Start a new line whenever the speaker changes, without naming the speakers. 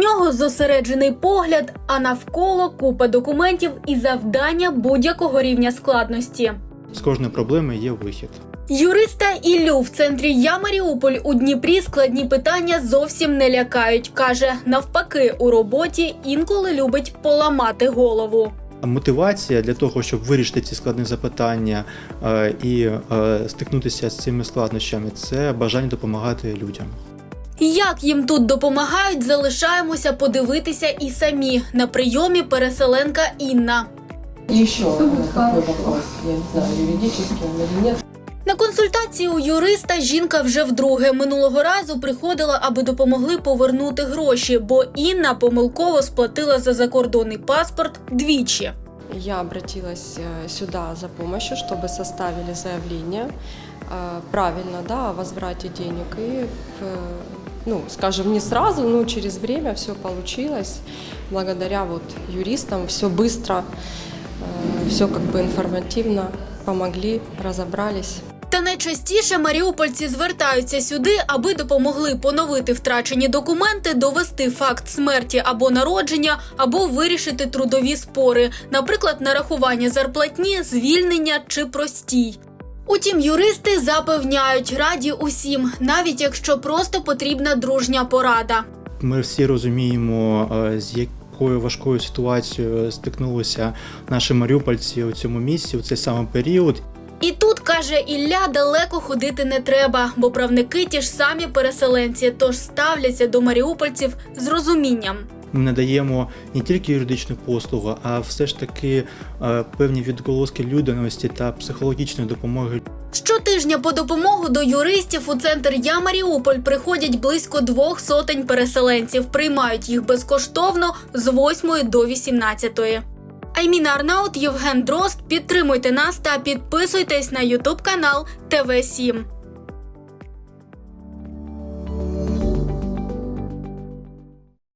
нього зосереджений погляд, а навколо купа документів і завдання будь-якого рівня складності.
З кожної проблеми є вихід.
Юриста Іллю в центрі «Я Маріуполь» у Дніпрі складні питання зовсім не лякають. Каже, навпаки, у роботі інколи любить поламати голову.
Мотивація для того, щоб вирішити ці складні запитання і стикнутися з цими складнощами – це бажання допомагати людям.
Як їм тут допомагають, залишаємося подивитися і самі. На прийомі переселенка Інна.
Еще такой вопрос, я не знаю, юридический он или нет.
На консультації у юриста жінка вже вдруге. Минулого разу приходила, аби допомогли повернути гроші, бо Інна помилково сплатила за закордонний паспорт двічі.
Я обратилась сюда за помощью, чтобы составили заявление правильно, да, о возврате денег. И, скажем, не сразу, но через время все получилось. Благодаря вот юристам все быстро, все как бы информативно помогли, разобрались.
Та найчастіше маріупольці звертаються сюди, аби допомогли поновити втрачені документи, довести факт смерті або народження, або вирішити трудові спори, наприклад, нарахування зарплатні, звільнення чи простій. Утім, юристи запевняють, раді усім, навіть якщо просто потрібна дружня порада.
Ми всі розуміємо, з якою важкою ситуацією стикнулися наші маріупольці у цьому місці, у цей самий період.
І тут, каже Ілля, далеко ходити не треба, бо правники ті ж самі переселенці, тож ставляться до маріупольців з розумінням.
Ми надаємо не тільки юридичну послугу, а все ж таки певні відголоски людяності та психологічної допомоги.
Щотижня по допомогу до юристів у центр «Я Маріуполь» приходять близько 200 переселенців. Приймають їх безкоштовно з 8 до 18. Айміна Арнаут, Євген Дрозд. Підтримуйте нас та підписуйтесь на YouTube-канал ТВ7.